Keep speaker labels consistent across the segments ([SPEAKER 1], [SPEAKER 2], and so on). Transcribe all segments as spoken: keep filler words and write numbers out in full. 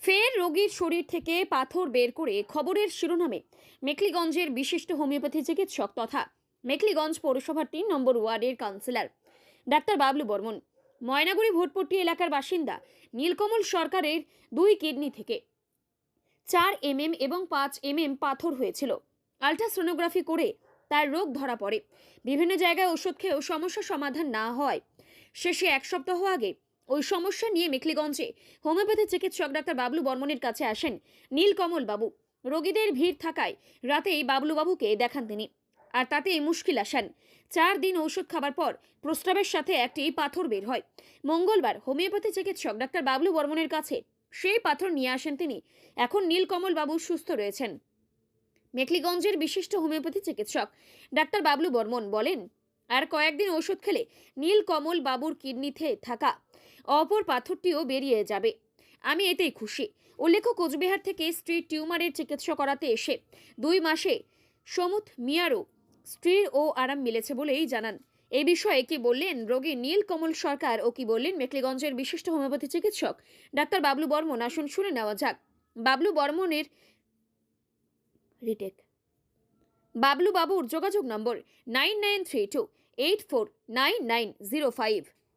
[SPEAKER 1] ফের রোগীর শরীর থেকে পাথর বের করে খবরের শিরোনামে মেখলিগঞ্জের বিশিষ্ট হোমিওপ্যাথি চিকিৎসক তথা মেখলিগঞ্জ পৌরসভার তিন নম্বর ওয়ার্ডের কাউন্সিলর ডাক্তার বাবলু বর্মন। ময়নাগুড়ি ভোটপট্টি এলাকার বাসিন্দা নীলকমল সরকারের দুই কিডনি থেকে চার এম এম এবং পাঁচ এম এম পাথর হয়েছিল। আলট্রাসোনোগ্রাফি করে তার রোগ ধরা পড়ে। বিভিন্ন জায়গায় ওষুধ খেয়েও সমস্যা সমাধান না হয় শেষে এক সপ্তাহ আগে ওই সমস্যা নিয়ে মেখলিগঞ্জে হোমিওপ্যাথি চিকিৎসক ডাক্তার বাবলু বর্মনের কাছে আসেন নীলকমল বাবু। রোগীদের ভিড় থাকায় রাতেই বাবলু বাবুকে দেখান তিনি, আর তাতেই মুশকিল আসান। চার দিন ঔষধ খাবার পর প্রস্রাবের সাথে একটি পাথর বের হয়। মঙ্গলবার হোমিওপ্যাথি চিকিৎসক ডাক্তার বাবলু বর্মনের কাছে সেই পাথর নিয়ে আসেন তিনি। এখন নীলকমল বাবু সুস্থ রয়েছেন। মেখলিগঞ্জের বিশিষ্ট হোমিওপ্যাথি চিকিৎসক ডাক্তার বাবলু বর্মন বলেন, আর কয়েকদিন ওষুধ খেলে নীলকমল বাবুর কিডনিতে থাকা অপর পাথরটিও বেরিয়ে যাবে। আমি এতেই খুশি। উল্লেখ্য, কোচবিহার থেকে স্ত্রীর টিউমারের চিকিৎসা করাতে এসে দুই মাসে সমুথ মিয়ারও স্ত্রীর ও আরাম মিলেছে বলেই জানান। এই বিষয়ে কি বললেন রোগী নীলকমল সরকার ও কি বললেন মেখলিগঞ্জের বিশিষ্ট হোমিওপ্যাথি চিকিৎসক ডাক্তার বাবলু বর্মন, আসুন শুনে নেওয়া যাক। বাবলু বর্মনের রিটেক। বাবলু বাবুর যোগাযোগ নম্বর nine nine three two eight four nine nine zero five.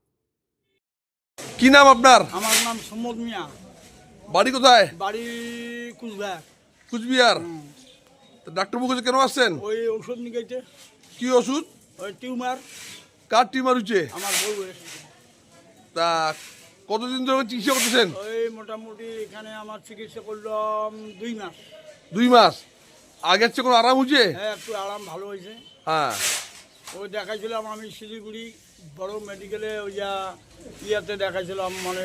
[SPEAKER 2] কি নাম আপনার?
[SPEAKER 3] আমার নাম সমদ মিয়া।
[SPEAKER 2] বাড়ি কোথায়?
[SPEAKER 3] বাড়ি কুচবিহার।
[SPEAKER 2] কুচবিহার। তো ডাক্তারবাবু কাছে কেন আসছেন?
[SPEAKER 3] ওই ওষুধ নিয়ে
[SPEAKER 2] কি ওষুধ?
[SPEAKER 3] ওই টিউমার।
[SPEAKER 2] কার টিউমার হচ্ছে?
[SPEAKER 3] আমার বউয়ের।
[SPEAKER 2] তা কতদিন ধরে চিকিৎসা করতেছেন?
[SPEAKER 3] ওই মোটামুটি এখানে আমার চিকিৎসা করলাম দুই মাস।
[SPEAKER 2] দুই মাস। আগের চেয়ে কোনো আরাম হচ্ছে?
[SPEAKER 3] হ্যাঁ, একটু আরাম ভালো হয়েছে।
[SPEAKER 2] হ্যাঁ।
[SPEAKER 3] ওই দেখাইছিলাম আমি শিলিগুড়ি বড় মেডিকেলে, ওই যা ইয়াতে দেখাইছিলাম, মানে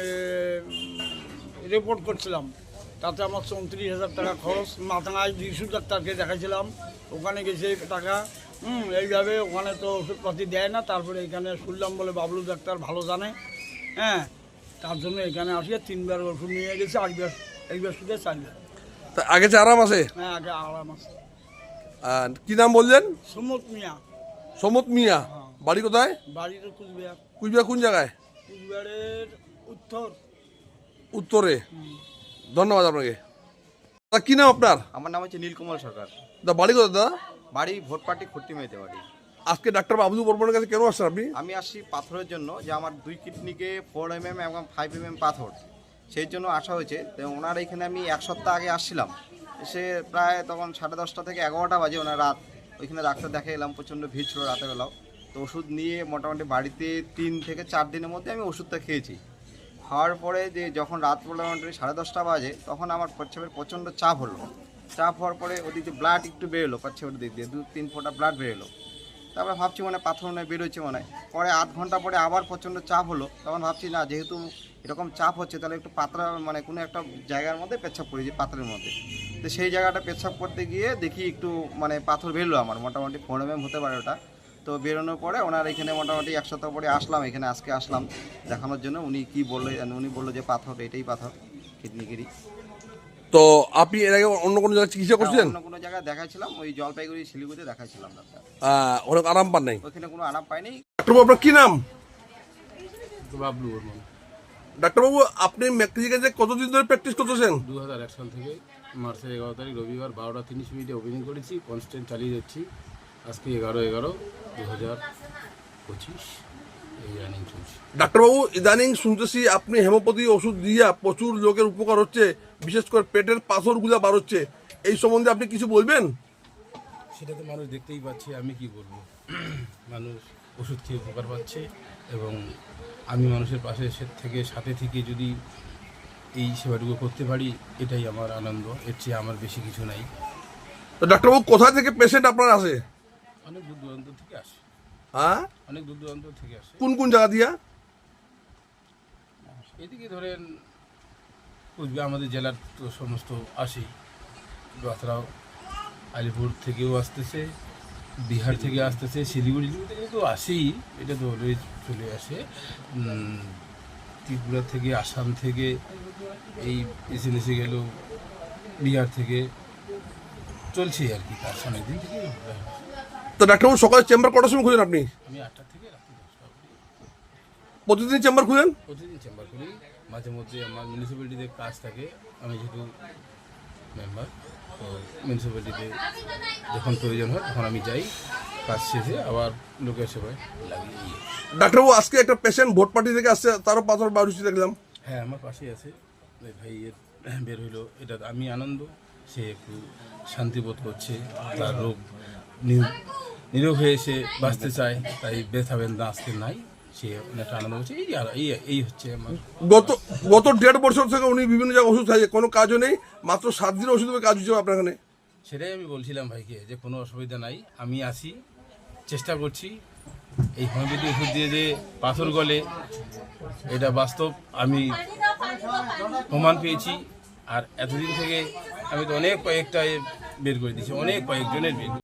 [SPEAKER 3] রিপোর্ট করছিলাম। তাতে আমার চৌত্রিশ হাজার টাকা খরচ। মাথায় দুইশো ডাক্তারকে দেখাইছিলাম, ওখানে গেছে টাকা। হুম এইভাবে ওখানে তো ওষুধপাতি দেয় না। তারপরে এখানে শুনলাম বলে বাবলু ডাক্তার ভালো জানে, হ্যাঁ, তার জন্য এখানে আসিয়ে তিনবার ওষুধ নিয়ে গেছে। একবার একবার শুধু চারবার।
[SPEAKER 2] তা আগে যে আরাম আছে?
[SPEAKER 3] হ্যাঁ, আগে আরাম আছে।
[SPEAKER 2] আর কি নাম বললেন?
[SPEAKER 3] সমত মিয়া।
[SPEAKER 2] সমত মিয়া।
[SPEAKER 3] হ্যাঁ।
[SPEAKER 2] বাড়ি কোথায়?
[SPEAKER 3] বাড়ি তো কুচবিহার।
[SPEAKER 2] কুচবিহার কোন জায়গায়?
[SPEAKER 3] কুচবিহারের উত্তর
[SPEAKER 2] উত্তরে। ধন্যবাদ আপনাকে। তা কি নাম আপনার?
[SPEAKER 4] আমার নাম হচ্ছে নীলকমল সরকার।
[SPEAKER 2] দা বাড়ি কোথায় দাদা?
[SPEAKER 4] বাড়ি ভোটপাটি খট্টিমাইতে বাড়ি।
[SPEAKER 2] আজকে ডাক্তার বাবলু বর্মনের কাছে কেন আসছেন আপনি?
[SPEAKER 4] আমি আসছি পাথরের জন্য, যে আমার দুই কিডনিকে ফোর এম এম এবং ফাইভ এম এম পাথর, সেই জন্য আসা হয়েছে। তো ওনার এখানে আমি এক সপ্তাহ আগে আসছিলাম। এসে প্রায় তখন সাড়ে দশটা থেকে এগারোটা বাজে ওনার রাত। ওইখানে ডাক্তার দেখে এলাম, প্রচণ্ড ভিড় ছিল রাতের বেলাও। তো ওষুধ নিয়ে মোটামুটি বাড়িতে তিন থেকে চার দিনের মধ্যে আমি ওষুধটা খেয়েছি। খাওয়ার পরে যে যখন রাত পড়লো মোটামুটি সাড়ে দশটা বাজে, তখন আমার প্রচ্ছাবের প্রচণ্ড চাপ হলো। চাপ হওয়ার পরে ওদিকে ব্লাড একটু বেরোলো, প্রচ্ছাবের দিক দিয়ে দু তিন ফোঁটা ব্লাড বেরোলো। তারপরে ভাবছি মানে পাথর নয় বেরোচ্ছে মনে হয়। পরে আধ ঘন্টা পরে আবার প্রচণ্ড চাপ হলো। তখন ভাবছি না, যেহেতু এরকম চাপ হচ্ছে তাহলে একটু পাতলা মানে কোনো একটা জায়গার মধ্যে পেচ্ছাপ করেছি পাথরের মধ্যে। তো সেই জায়গাটা পেচ্ছাপ করতে গিয়ে দেখি একটু মানে পাথর বেরোলো আমার, মোটামুটি ফোর এম এম হতে পারে ওটা। তো বেরোনোর পরে ওনার এখানে মোটামুটি এক সপ্তাহ পরে আসলাম এখানে, আজকে আসলাম দেখানোর জন্য। উনি কি বললো, উনি বললো যে পাথর এটাই পাথর কিডনিগিরি।
[SPEAKER 2] তো আপনি এর আগে অন্য কোনো জায়গায় চিকিৎসা করছেন?
[SPEAKER 4] অন্য কোনো জায়গায় দেখাইছিলাম, ওই জলপাইগুড়ি শিলিগুড়িতে দেখাইছিলাম ডাক্তার।
[SPEAKER 2] অনেক আরাম পান নাই?
[SPEAKER 4] ওইখানে কোনো আরাম পাইনি।
[SPEAKER 2] ডাক্তারবাবু আপনার কি নাম?
[SPEAKER 5] বাবলু বর্মন।
[SPEAKER 2] ডাক্তারবাবু আপনি মেক্সিকানতে কতদিন ধরে প্র্যাকটিস করতেছেন?
[SPEAKER 5] দু হাজার এক সাল থেকে মার্চের এগারো তারিখ রবিবার বারোটা তিরিশ মিনিটে ওপেনিং করেছি। কনস্ট্যান্ট চালিয়ে যাচ্ছি। আজকে এগারো এগারো দু হাজার পঁচিশ এই রানিং চলছে।
[SPEAKER 2] ডাক্তারবাবু ইদানিং শুনতেছি আপনি হেমোপ্যাথি ওষুধ দিয়া প্রচুর লোকের উপকার হচ্ছে, বিশেষ করে পেটের পাথরগুলো বার হচ্ছে, এই সম্বন্ধে আপনি কিছু বলবেন?
[SPEAKER 5] সেটা তো মানুষ দেখতেই পাচ্ছে, আমি কি বলবো। মানুষ ওষুধ খেয়ে উপকার পাচ্ছে এবং আমি মানুষের পাশে থেকে সাথে থেকে যদি এই সেবাটুকু করতে পারি, এটাই আমার আনন্দ। এর চেয়ে আমার বেশি কিছু নাই।
[SPEAKER 2] তো ডাক্তারবাবু কোথা থেকে পেশেন্ট আপনার আসে?
[SPEAKER 5] অনেক দূর দূরান্ত থেকে আসে।
[SPEAKER 2] হ্যাঁ,
[SPEAKER 5] অনেক দূর দূরান্ত থেকে আসে।
[SPEAKER 2] কোন কোন জায়গা দিয়া?
[SPEAKER 5] এদিকে ধরেন কুচবিহার আমাদের জেলার তো সমস্ত আসেই, বাতরাও আলিপুর থেকেও আসতেছে, বিহার থেকে আসতেছে, শিলিগুড়ি থেকে তো আসেই, এটা তো অলওয়েজ চলে আসে। ত্রিপুরা থেকে, আসাম থেকে, এই এসে এসে গেল বিহার থেকে, চলছে আর কি। তার অনেক দিন থেকে।
[SPEAKER 2] তো ডাক্তারবাবু সকালে চেম্বার কটার সময় খুলেন আপনি?
[SPEAKER 5] আমি আটটা থেকে রাত্রি দশটা অবধি
[SPEAKER 2] প্রতিদিন চেম্বার খুলেন?
[SPEAKER 5] প্রতিদিন চেম্বার করি। মাঝে মধ্যে আমার মিউনিসিপ্যালিটিতে কাজ থাকে, আমি যেহেতু মেম্বার, তো মিউনিসিপ্যালিটিতে যখন প্রয়োজন হয় তখন আমি যাই, কাজ শেষে আবার লোকের সেবায় লাগিয়ে দিই।
[SPEAKER 2] ডাক্তারবাবু, আজকে একটা পেশেন্ট ভোট পার্টি থেকে আসছে, তারও পাথর বাড়ুছি দেখলাম।
[SPEAKER 5] হ্যাঁ, আমার পাশেই আছে, ওই ভাই এর বের হইলো, এটা আমি আনন্দ, সে একটু শান্তিবোধ করছে, তার রোগ নি- নিরোগ হয়ে সে বাঁচতে চায়, তাই ব্যথা বেদনা আজকে নাই, সে অনেকটা আনন্দ করছে। এই আর এই এই হচ্ছে আমার।
[SPEAKER 2] গত গত দেড় বছর থেকে উনি বিভিন্ন জায়গায় ওষুধ খাইছে, কোনো কাজও নেই, মাত্র সাত দিনের ওষুধ কাজ হচ্ছে আপনার এখানে।
[SPEAKER 5] সেটাই আমি বলছিলাম ভাইকে যে কোনো অসুবিধা নাই, আমি আসি, চেষ্টা করছি। এই হোমিওপ্যাথি ওষুধ দিয়ে যে পাথর গলে, এটা বাস্তব, আমি প্রমাণ পেয়েছি। আর এতদিন থেকে আমি তো অনেক কয়েকটা বের করে দিয়েছি, অনেক কয়েকজনের বের